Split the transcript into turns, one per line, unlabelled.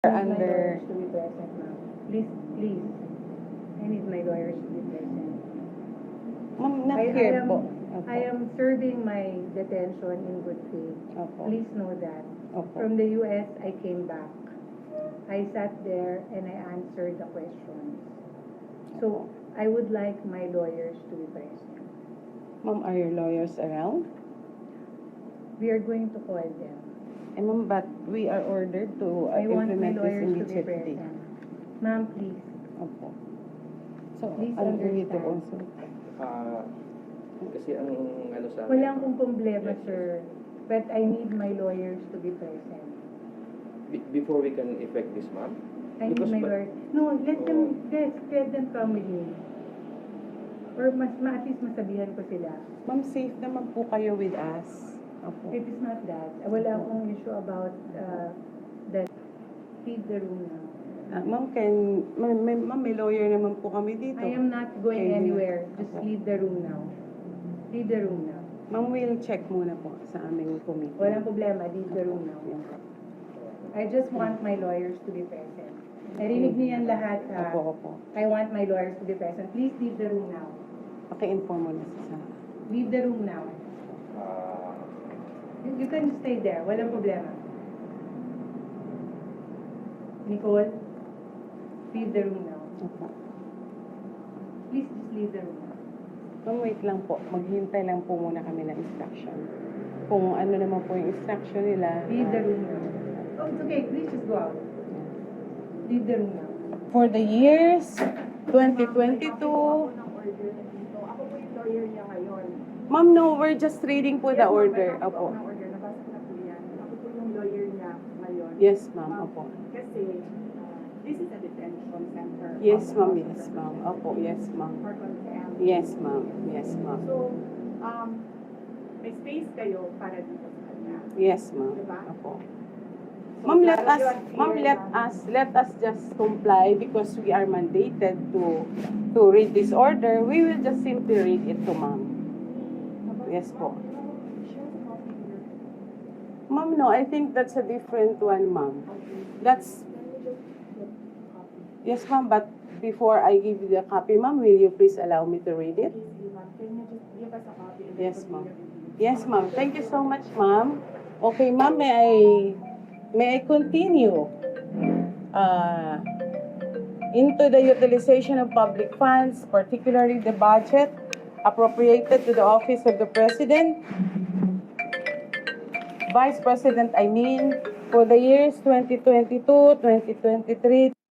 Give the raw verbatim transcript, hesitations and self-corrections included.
Under...
My lawyers to be present, ma'am. Please, please. I need my lawyers to be present.
Ma'am, not
I,
here
I am,
po. Opo.
I am serving my detention in good faith.
Opo.
Please know that.
Opo.
From the U S, I came back. I sat there and I answered the questions. So, I would like my lawyers to be present.
Ma'am, are your lawyers around?
We are going to call them.
Eh, ma'am, but we are ordered to uh,
I want my
implement this
lawyers to be
immediately.
present. Ma'am, please.
Opo. So,
Please
allow me to
understand.
also.
Ah, kasi ang ano sa amin,
Wala akong problema,
Yes, yes.
sir. But I need my lawyers to be present.
be- before we can effect this, ma'am.
I need
Because
my
ba-
lawyers. No, let
Oh.
them, let, let them come with me. Or mas, ma, at least masabihan ko sila.
Ma'am, safe naman po kayo with us. Opo.
It is not that. Wala akong issue about uh, that. Leave the room now.
Ah, ma'am, can, ma'am, may, ma'am, may lawyer naman po kami dito.
I am not going
Okay,
anywhere. Just
opo.
leave the room now. Leave the room now.
Ma'am, we'll check muna po sa aming committee.
Walang problema. Leave the room now.
Yan po.
I just want my lawyers to be present. Narinig niyo yan lahat, ha?
Opo, opo.
I want my lawyers to be present. Please leave the room now.
Paki-inform mo na sa...
Leave the room now.
Ah,
You, you can stay there. Walang problema. Nicole, leave the room now.
Opo.
Please just leave the room now.
Ma'am, wait lang po. Maghintay lang po muna kami ng instruction. Kung ano naman po yung instruction nila.
Leave the
ah,
room now. Oh, it's okay. Please just go out. Leave the room now.
For the years twenty twenty-two,
Ako po yung lawyer niya ngayon.
ma'am, no, we're just reading po the
Yes, ma'am,
order.
may copy po
Opo.
ako ng order. Nabasa ko na po yan. Ako po yung lawyer niya ngayon.
Yes, ma'am.
Um,
Opo.
Kasi, uh, this is a detention center.
Yes,
of the
ma'am.
House of
Yes, ma'am.
Representatives
Opo. Yes, ma'am.
for contempt.
Yes, ma'am. Yes, ma'am.
So, um, may space kayo para dito sa kanya.
Yes, ma'am.
Diba?
Opo.
So,
Ma'am, let
lalo
us,
yun,
ma'am,
clear
let
na-
us, let us just comply because we are mandated to, to read this order. We will just simply read it to ma'am. Yes po. Ma'am, no, I think that's a different one, ma'am. That's, yes, ma'am, but before I give you the copy, ma'am, will you please allow me to read it?
Can you just give us a copy? and
Yes,
we'll
ma'am.
read it?
Yes, ma'am. Thank you so much, ma'am. Okay, ma'am, may I may I continue uh, into the utilization of public funds, particularly the budget appropriated to the office of the President, Vice President, I mean, for the years twenty twenty-two, twenty twenty-three,